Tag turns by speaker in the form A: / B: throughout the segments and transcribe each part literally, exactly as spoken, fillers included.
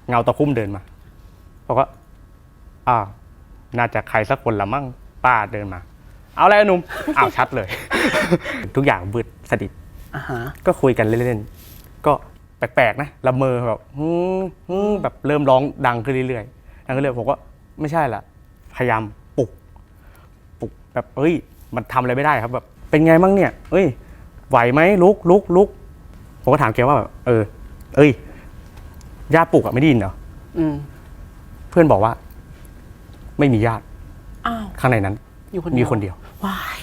A: เงาตะคุ่มเดินมาบอกว่าอ้าวน่าจะใครสักคนละมั่งป้าเดินมาเอาอะไรหนุ่มอ้าวชัดเลย ทุกอย่างบืดสนิทก็คุยกันเล่นๆก็แปลกๆนะละเมอแบบฮึฮึแบบเริ่มร้องดังขึ้นเรื่อยๆดังขึ้นเรื่อยผมก็ไม่ใช่ละพยายามปลุกปลุกแบบเอ้ยมันทำอะไรไม่ได้ครับแบบเป็นไงมั่งเนี่ยเอ้ยไหวไหมลุกลุกลุกผมก็ถามแกว่าแบบเออเอ้ยญาติปลุกอะไม่ได้ยินเหรอเพื่อนบอกว่าไม่มีญาติข้างในนั้นมีคนเดียว
B: ว้าย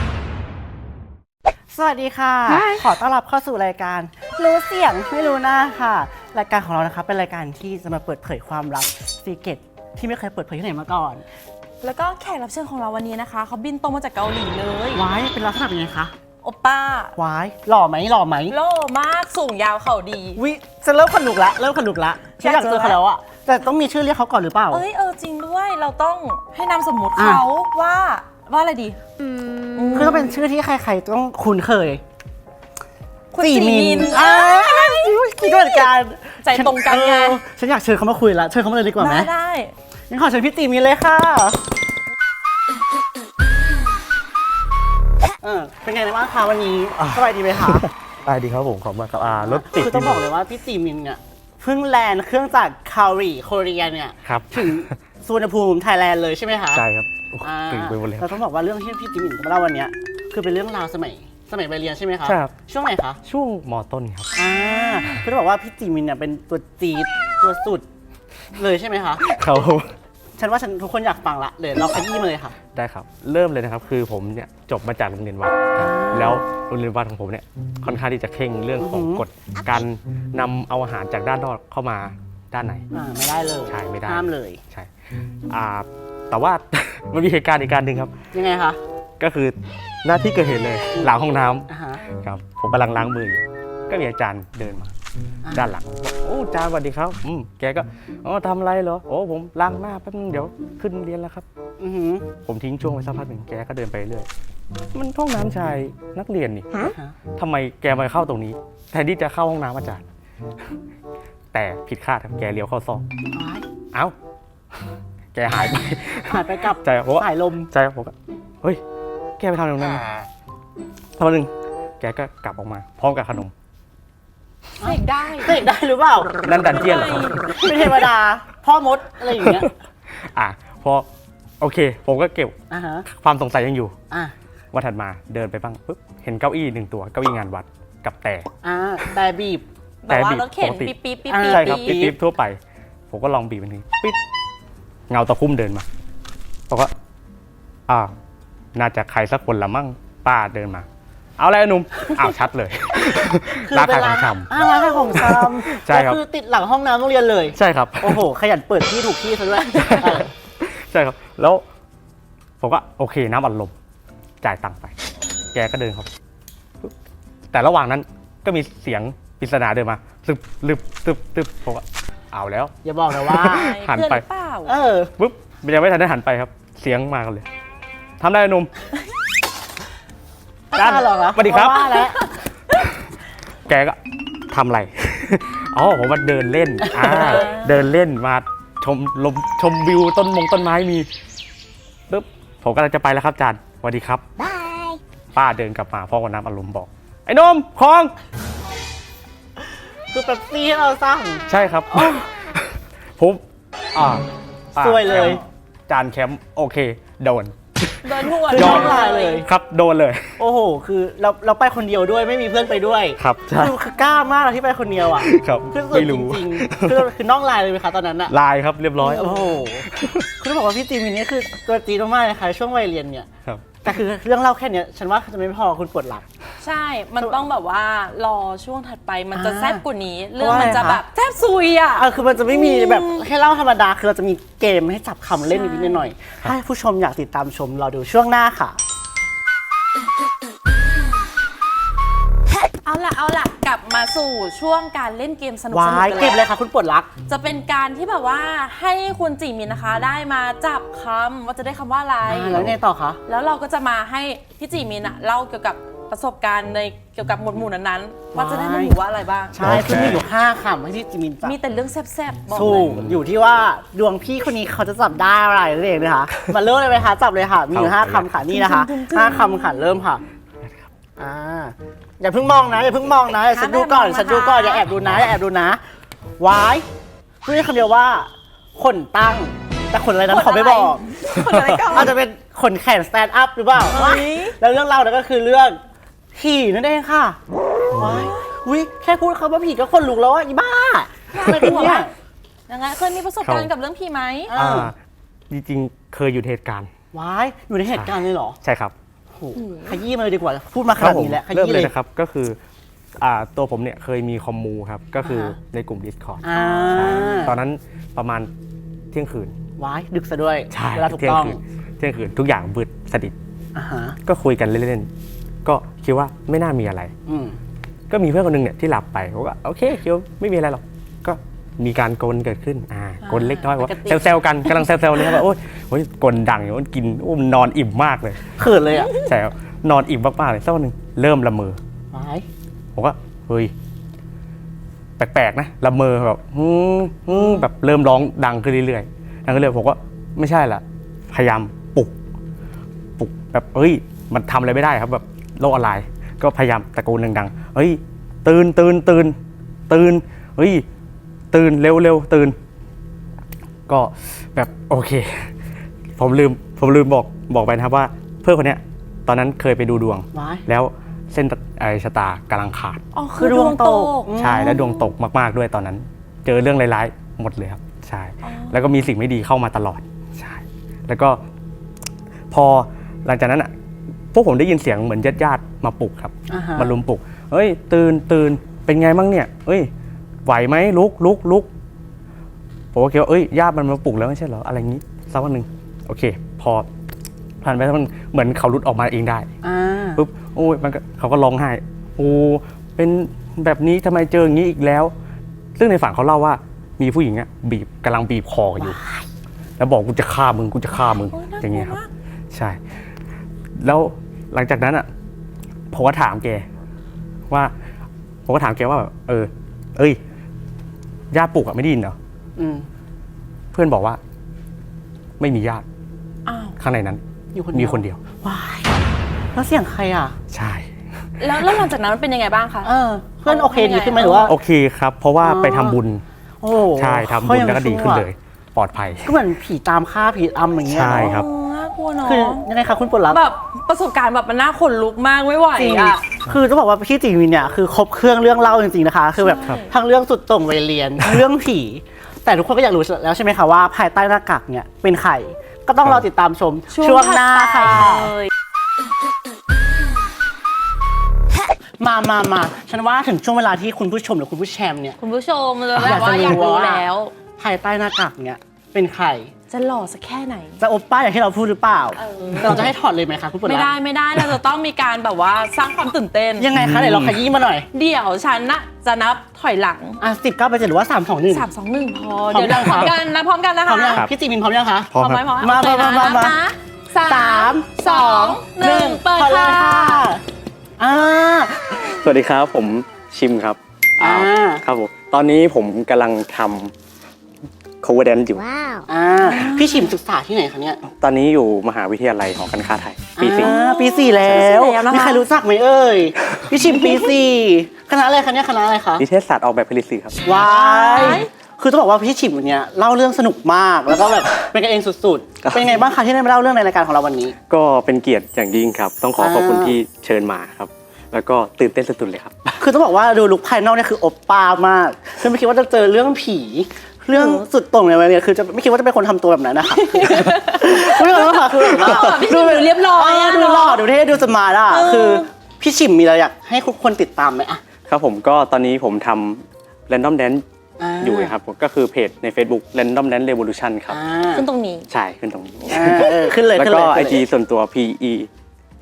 B: สวัสดีค่ะขอต้อนรับเข้าสู่รายการรู้เสียงไม่รู้หน้าค่ะรายการของเรานะคะเป็นรายการที่จะมาเปิดเผยความลับซีเกตที่ไม่เคยเปิดเผยที่ไหนมาก่อน
C: แล้วก็แขกรับเชิญของเราวันนี้นะคะเขาบินตรงมาจากเกาหลีเลย
B: ว้ายเป็นลักษณะเป็นไงคะ
C: โอป้า
B: ว้ายหล่อไหมหล่อไหม
C: หล่อมากสูงยาวเข่าดี
B: วิจะเริ่มขนุกละเริ่มขนุกละฉันอยากเจอเขาแล้วอะแต่ต้องมีชื่อเรียกเขาก่อนหรือเปล่า
C: เอ้ยเออจริงด้วยเราต้องให้นามสมมติเขาว่าว่าอะไรดี
B: คือต้องเป็นชื่อที่ใครๆต้องคุ้นเคย
C: คุณจีมิน
B: อ่าคิดเหมือนกัน
C: ใจตรงกันไง
B: ฉันอยากเชิญเขามาคุยละเชิญเขามาเลยดีกว่าไหม
C: ได้
B: งั้นขอเชิญพี่จีมินเลยค่ะเออเป็นไงบ้างคะวันนี้สบายดีไหมคะ
A: สบายดีครับผมขอบคุณครับอ่ารถติด
B: คือต้องบอกเลยว่าพี่จีมินเนี่ยเพิ่งแลนด์เครื่องจากเกาหลีโคเรียเนี่ยถึงสุวรรณภูมิไทยแลนด์เลยใช่ไหมคะ
A: ใช่ครับตื่นไปหมดเลย
B: เราต้องบอกว่าเรื่องที่พี่จีมินมาเล่าวันนี้คือเป็นเรื่องราวสมัยสมัยวัยเรียนใช่ไหมคะ
A: ใช่ครับ
B: ช่วงไหนคะ
A: ช่วงม.ต้นครับ
B: อ่าคือต้องบอกว่าพี่จีมินเนี่ยเป็นตัวจี๊ดตัวสุดเลยใช่ไหมคะ
A: เขา
B: ฉันว่าฉันทุกคนอยากฟังละเดี๋ยวเราขยี้มาเลยค่ะ
A: ได้ครับเริ่มเลยนะครับคือผมเนี่ยจบมาจากโรงเรียนวัดแล้วโรงเรียนวัดของผมเนี่ยค่อนข้างที่จะเข่งเรื่องของกฎการนำเอาอาหารจากด้านนอกเข้ามาด้านใน
B: อ่าไม่ได้เลย
A: ใช่ไม่ได้
B: ห้ามเลย
A: ใช่อ่าแต่ว่า มันมีเหตุการณ์อีกการหนึ่งครับ
B: ยังไงคะ
A: ก็คือหน้าที่เกิดเหตุเลยหลังห้องน้ำครับผมกำลังล้างมืออยู่ก็มีอาจารย์เดินมาด้านหลังบอกโอ้อาจารย์สวัสดีครับอืมแกก็อ๋อทำอะไรเหรอโอ้ผมล้างหน้าแป๊บนึงเดี๋ยวขึ้นเรียนแล้วครับ
B: อือ
A: ผมทิ้งช่วงไว้สักพักหนึ่งแกก็เดินไปเรื่อยมันห้องน้ำชายนักเรียนนี่ทำไมแกมาเข้าตรงนี้แทนที่จะเข้าห้องน้ำอาจารย์แต่ผิดคาดครับแกเลี้ยวเข้าซอกเอ้าแกหายไป
B: หายไปกับ
A: ใจผม
B: สายลม
A: ใจผมก็เฮ้ยแกไปทำตรงนั้นทำหนึ่งแกก็กลับออกมาพร้อมกับขนม
C: เสกได้
B: เสกได้หรือเปล่า
A: นั่นดันเจียนเหรอ
B: ไม่เทวดาพ่อมดอะไรอย่างเงี้ย
A: อ่ะพอโอเคผมก็เก็บความสงสัยยังอยู่วันถัดมาเดินไปบ้างปุ๊บเห็นเก้าอี้หนึ่งตัวเก้าอี้งานวัดกับแต่
B: อ่าแต่บีบ
C: แต่บีบปกติ
A: ปี๊บปี๊บปี๊บใช่ครับปี๊บปี๊บทั่วไปผมก็ลองบีบมันทีปิ๊ดเงาตะคุ่มเดินมาบอกว่าอ้าวน่าจะใครสักคนละมั่งป้าเดินมาเอาอะไรหนุ่มอ้าวชัดเลยร้านขายของชำ
B: อ่าร้านขายของชำ
A: ใช่ครับ
B: คือติดหลังห้องน้ำโรงเรียนเลย
A: ใช่ครับ
B: โอ้โหขยันเปิดที่ถูกที่ซะด้วย
A: ใช่ครับแล้วผมก็โอเคน้ำอัดลมจ่ายตังค์ไปแกก็เดินครับแต่ระหว่างนั้นก็มีเสียงปริศนาเดินมาตึบตึบตึบตึบผมก็เอาแล้ว
B: อย่าบอกนะว่า
A: หันไป
B: เออ
A: ปุ๊บยังไม่ทันได้หันไปครับเสียงมากันเลยทำได้หนุ่ม
B: จ้าเหรอ
A: สวัสดีครับแกก็ทำอะไรอ๋อผมมาเดินเล่นอ่าเดินเล่นมาชมลมชมวิวต้นมงต้นไม้มีปุ๊บผมกำลังจะไปแล้วครับอาจารย์สวัสดีครับบายป้าเดินกลับมาพ่อกับน้ำอารมณ์บอกไอ้นมคลอง
B: คือแบบซี่ให้เราสั่ง
A: ใช่ครับผมอ่า
B: สวยเลย
A: จานแคมป์โอเคโดน
C: โดนหัว
B: ย้อนลายเลย
A: ครับโดนเลย
B: โอ้โหคือเราเราไปคนเดียวด้วยไม่มีเพื่อนไปด้วย
A: ครับใช่
B: คือกล้ามากที่ไปคนเดียวอ่ะ
A: ครับ
B: ไม่รู้จริงๆคือคือน้องลายเลยไหมคะตอนนั้นอะ
A: ลายครับเรียบร้อย
B: โอ้โหคือบอกว่าพี่จีมินนี่คือตัวจีนมากเลยค่ะช่วงวัยเรียนเนี่ยแต่คือเรื่องเล่าแค่นี้ฉันว่าจะไม่พอคุณปวดหลัง
C: ใช่มันต้องแบบว่ารอช่วงถัดไปมันจะแซ่บกว่านี้เรื่องมันจะแบบแซ่บซุยอ่ะ
B: เออคือมันจะไม่มีแบบแค่เล่าธรรมดาคือเราจะมีเกมให้จับคำเล่นนิดหน่อยถ้าผู้ชมอยากติดตามชมเราดูช่วงหน้าค่ะ
C: เอาล่ะเอาล่ะกลับมาสู่ช่วงการเล่นเกมสนุกสนุกกัน
B: เกมเลยค่ะคุณปวดรัก
C: จะเป็นการที่แบบว่าให้คุณจีมินนะคะได้มาจับคำว่าจะได้คำว่าอะไร
B: แล้วไงต่อคะ
C: แล้วเราก็จะมาให้พี่จีมินอะเล่าเกี่ยวกับประสบการณ์ในเกี่ยวกับหมวดหมู่นั้นๆว่าจะได้มาหมู่ว่าอะไรบ้าง
B: ใช่ซึ่งมีอยู่ห้าคำให้ที่จิมินจับ
C: มีแต่เรื่องแซ่บๆบอก
B: ถู
C: เลย
B: กอยู่ที่ว่าดวงพี่คนนี้เขาจะจับได้อะไรนั่นเองนะคะ มาเริ่มเลยไหมคะจับเลยค่ะ มีอยู่ห้าคำค่ะนี่นะคะห้าคำค่ะเริ่มค่ะอ่าอย่าเพิ่งมองนะอย่าเพิ่งมองนะฉันดูก่อนฉันดูก่อนอย่าแอบดูนะอย่าแอบดูนะวายพูดได้คำเดียวว่าขนตั้งแต่ขนอะไรนั้นขอไม่บอก
C: คนอะไรก่อน
B: อาจจะเป็นขนแขนสแตนด์อัพหรือเปล่า
C: เฮ้ย
B: แล้วเรื่องเราเนี่ยก็คือเรื่องผีนั่นเองค่ะว้ายวิแค่พูดคำว่าผีก็ขนลุกแล้วอ่ะอีบ้าอะไรกันเนี่ย
C: ยังไงเคยมีประสบการณ์กับเรื่องผีไหม
B: อ่า
A: อ่าจริงๆเคยอยู่ในเหตุการณ์
B: ว้ายอยู่ในเหตุการณ์เลยเหรอ
A: ใช่ครับ
B: โอ้โหขยี้มาเลยดีกว่า พูดมาขนาดนี้แล้วข
A: เริ่ม
B: ยี้
A: เล
B: เลย ย
A: นะครับก็คืออ่าตัวผมเนี่ยเคยมีคอมมูครับก็คืออา
B: ฮะ
A: ในกลุ่ม Discord
B: อ่า
A: ตอนนั้นประมาณเที่ยงคืน
B: ว้ายดึกซะด้วย
A: ใช่
B: เวลาถูก
A: เที่ยง
B: ต้อง
A: คืนเที่ยงคืนทุกอย่างบืดสนิท
B: อ่าฮะ
A: ก็คุยกันเล่นๆก็คิดว่าไม่น่ามีอะไร
B: อืม
A: ก็มีเพื่อนคนหนึงเนี่ยที่หลับไปผมก็โอเคคิดว่าไม่มีอะไรหรอกก็มีการกลนเกิดขึ้นอ่ากลนเล็กน้อยว่า
C: ปกติ
A: แซวๆกันกำลังแซวๆเลยครับว่าโอ๊ยโอ๊ยกลนดังอยู่มันกินอุ้มนอนอิ่มมากเลย
B: เขินเลยอ่ะ
A: ใช่ครับนอนอิ่มมากๆเลยสักวันหนึ่งเริ่มละเมอ
B: ว้าย
A: ผมก็เฮ้ยแปลกๆนะละเมอแบบฮึ่มฮึ่มแบบเริ่มร้องดังขึ้นเรื่อยๆดังขึ้นเรื่อยๆผมก็ไม่ใช่ละพยายามปลุกปลุกแบบเฮ้ยมันทำอะไรไม่ได้ครับแบบโลกออนไลน์ก็พยายามตะโกนดังๆเฮ้ยตื่นตื่นตื่นตื่นเฮ้ยตื่นเร็วเร็วตื่นก็แบบโอเค ผมลืมผมลืมบอกบอกไปนะครับว่าเพื่อนคนเนี้ยตอนนั้นเคยไปดูดวง
B: ว้าย
A: แล้วเส้นไอชะตากำลังขาด
C: อ๋อคือดวงตก
A: ใช่แล้วดวงตกมากๆด้วยตอนนั้น เจอเรื่องร้ายๆหมดเลยครับใช่ แล้วก็มีสิ่งไม่ดีเข้ามาตลอดใช่แล้วก็พอหลังจากนั้นอ่ะพวกผมได้ยินเสียงเหมือนญาติๆมาปลุกครับ
B: อ่าฮะ
A: มาลุมปลุกเฮ้ยตื่นตื่นเป็นไงบ้างเนี่ยเอ้ยไหวไหมลุกลุกลุกผมก็คิดว่าเอ้ยญาติมันมาปลุกแล้วไม่ใช่เหรออะไรงี้สักวันหนึ่งโอเค พอผ่านไปสักวันเหมือนเขาหลุดออกมาเองได้
B: อ่า
A: ปุ๊บโอ้ยมันก็เขาก็ร้องไห้โอ้เป็นแบบนี้ทำไมเจออย่างนี้อีกแล้ว ซึ่งในฝันเขาเล่าว่ามีผู้หญิงอ่ะบีบกำลังบีบคออยู่ แล้วบอกกูจะฆ่ามึงกูจะฆ่ามึง
C: โอ้ยน่ากลัว
A: อย่างเงี้ยครับ
C: มาก
A: ใช่ แล้วหลังจากนั้นอ่ะผมก็ถามแกว่าผมก็ถามแกว่าแบบเออ เอ้ยญาติปลุกอ่ะไม่ได้ยินเหรอ
B: อืม
A: เพื่อนบอกว่า ไม่มีญาติ
C: อ้าว
A: ข้างในนั้น
B: อยู่คน
A: มี
B: เดียว
A: คนเดียว
B: ว้ายแล้วเสียงใครอ่ะ
A: ใช่
C: แล้วแล้วหลังจากนั้นมันเป็นยังไงบ้างคะ
B: เออ เพื่อนโอเคดีขึ้นไหมหรือว่า
A: โอเคครับ เพราะว่า
B: อ๋อ
A: ไปทำบุญ
B: โอ้
A: ใช่ทำบุญแล้วก็ดีขึ้นเลย ปลอดภัย
B: ก็เหมือนผีตามฆ่าผีอำอย่างเงี้ย
A: ใช่
B: เนาะ
A: ครับ
C: อ๋อน่ากลัวเนาะ
B: คือยังไงคะคุณปวดรับ
C: แบบประสบการณ์แบบมันน่าขนลุกมากไม่ไหว
B: จริง
C: อ่ะ
B: คือต้องบอกว่าพี่จิงวินเนี่ยคือครบเครื่องเรื่องเล่าจริงๆนะคะ คือแบบ
C: ครับ
B: ทั้งเรื่องสุดโต่งวัยเรียนทั้งเรื่องผี แต่ทุกคนก็อยากรู้แล้วใช่ไหมคะว่าภายใต้หน้ากากเนี่ยเป็นใครก็ต้องรอติดตามชมช่วงหน้า
C: ถัดไป
B: ค่ะ
C: เลย
B: มามามาฉันว่าถึงช่วงเวลาที่คุณผู้ชมหรือคุณผู้แชมเนี่ย
C: คุณผู้ชมเลยแบบว่าอยากรู้แล้ว
B: ภายใต้หน้ากากเนี่ยเป็นใคร
C: จะหล่อสักแค่ไหน
B: จะอบป้าอย่างที่เราพูดหรือเปล่า
C: เออ
B: แต่เราจะให้ถอดเลยไหมคะคุณปวด
C: ไม่
B: รับ
C: ได้ไม่ได้เราจะต้องมีการแบบว่าสร้างความตื่นเต้น
B: ยังไงคะไหนลองขยี้มาหน่อย
C: เดี๋ยวฉันน่ะจะนับถอยหลัง
B: อ่ะสิบเก้าไปเจ็ดหรือว่าสามสองหนึ่ง
C: สามสองหนึ่งพอ
B: พร้อม
C: เดี๋ยวเรา
B: ยัง
C: พร้อม
B: คะ
C: กันนะพร้อมกันนะ
B: พร้อ
C: คะ
B: มยัง
A: ครับ
B: พี่จีมินพร้อมยังคะ
A: พร้อม
C: พร้อมไหม
A: ครับ
C: พร้อม
B: มา
C: โอเค
B: มา
C: นะ
B: มา
C: นับ
B: มา
C: นะสา
B: สาม
C: มสองหนึ่งเปิด
B: พอเลย
C: ค่ะ
B: ค่ะอ่า
A: สวัสดีครับผมชิมครับ
B: อ่า
A: ครับผมตอนนี้ผมกำลังทำ cover dance อยู่
B: อ่าพี่ชิมศึกษาที่ไหนคะเนี่ย
A: ตอนนี้อยู่มหาวิทยาลัยหอการค้าไทยปีสี่
B: อ่าปีสี่แล้ว
C: ปีสี่แล้วนะคะ
B: มีใครรู้จักไหมเอ่ยพี่ชิมปีสี่คณะอะไรคะเนี่ยคณะอะไรคะ
A: นิเทศศาสตร์ออกแบบผลิตสื่อครับ
B: วายคือต้องบอกว่าพี่ชิมเนี่ยเล่าเรื่องสนุกมากแล้วก็แบบเป็นกันเองสุด
A: ครับ
B: ๆ เป็นไงบ้างคะที่ได้มาเล่าเรื่องในรายการของเราวันนี้
A: ก็เป็นเกียรติอย่างยิ่งครับ ต้องขอ
B: อ่า
A: ขอบคุณที่เชิญมาครับ แล้วก็ตื่นเต้นสุดๆเลยครับ
B: คือต้องบอกว่าดูลุคภายนอกเนี่ยคือโอปป้ามากคือไม่คิดว่าจะเจอเรื่องผี เรื่องสุดโต่งในวันนี้คือจะไม่คิดว่าจะเป็นคนทำตัวแบบนั้นนะคะไม่รู้ค่ะคือแบบว่า
C: พี่ชิมดูเรียบร้อยอะ
B: ดูหล่อดูเท่ดูสมาร์ทอ่ะ
C: เออ
B: คือพี่ชิมมีอะไรอยากให้ทุกคนติดตามไหมอ่ะ
A: ครับผมก็ตอนนี้ผมทำ random dance
B: า
A: อยู่นะครับผมก็คือเพจใน Facebook random dance revolution ครับ
B: อ่า
C: ขึ้นตรงนี้
A: ใช่ขึ้นตรงนี้
B: อ่าเออขึ้นเลย
A: แล้ว
B: ขึ้น
A: ก็
B: เลย
A: ไอ
B: ขึ้นเลย
A: จีส่วนตัว P E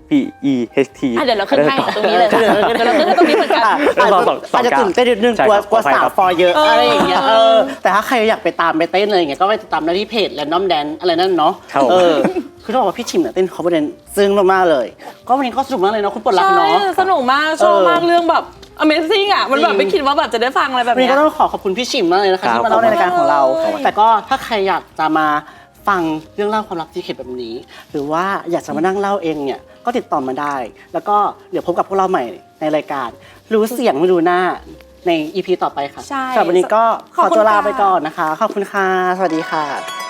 A: P E H T
C: อ่ะเดี๋ยวเราขึ้นให้ตรงนี้เลยค่ะเดี๋ยวเราขึ้นให้ตรงนี้เหมือนกัน
B: อ่ะ
A: แล้วสองสองสอง
B: อาจจะตื่นเต้นนิดนึง
A: ใช่
B: กลัว
A: ครับ
B: กลัว
A: ขออภัย
B: สาว
A: ครับ
B: ฟอร์เยอะ
C: เอออ
B: อะไรอย่างเงี้ยเออแต่ถ้าใครอยากไปตามไปเต้นเลยอย่างเงี้ยก็ไปติดตามได้ที่เพจ Random Dance อะไรนั่นเนาะ
A: ครับ
B: เออคือต้องบอกว่าพี่ชิมเนี่ยเต้น cover dance ซึ้งมากๆเลย ก็วันนี้ก็สนุกมากเลยเนาะคุณปลดรัก
C: ใช่
B: เนาะ
C: สนุกมากชอบมากเรื่องแบบ Amazing อ่ะมันแบบ
B: จริง
C: ไม่คิดว่าแบบจะได้ฟังอะไรแบบ
B: วันนี้
C: เนี้ย
B: ก็ต้องขอขอบคุณพี่ชิมมากเลยนะคะ
A: ครับ
B: ที่มาเล่าในรายการของเรา
C: ขอบคุณ
B: แต่ก็ถ้าใครอยากจะมาฟังเรื่องเล่าความรักที่เข็ดแบบนี้ หรือว่าอยากจะมานั่งเล่าเองเนี่ยก็ติดต่อมาได้ แล้วก็เดี๋ยวพบกับพวกเราใหม่ในรายการ รู้เสียงไม่รู้หน้าใน อี พี ต่อไปค่ะ
C: ใช่
B: สำหรับวันนี้ก็ข
C: ขอบ
B: อ
C: คุณ
B: ตัวลา
C: ค่ะ
B: ไปก่อนนะคะ ขอบคุณค่ะ สวัสดีค่ะ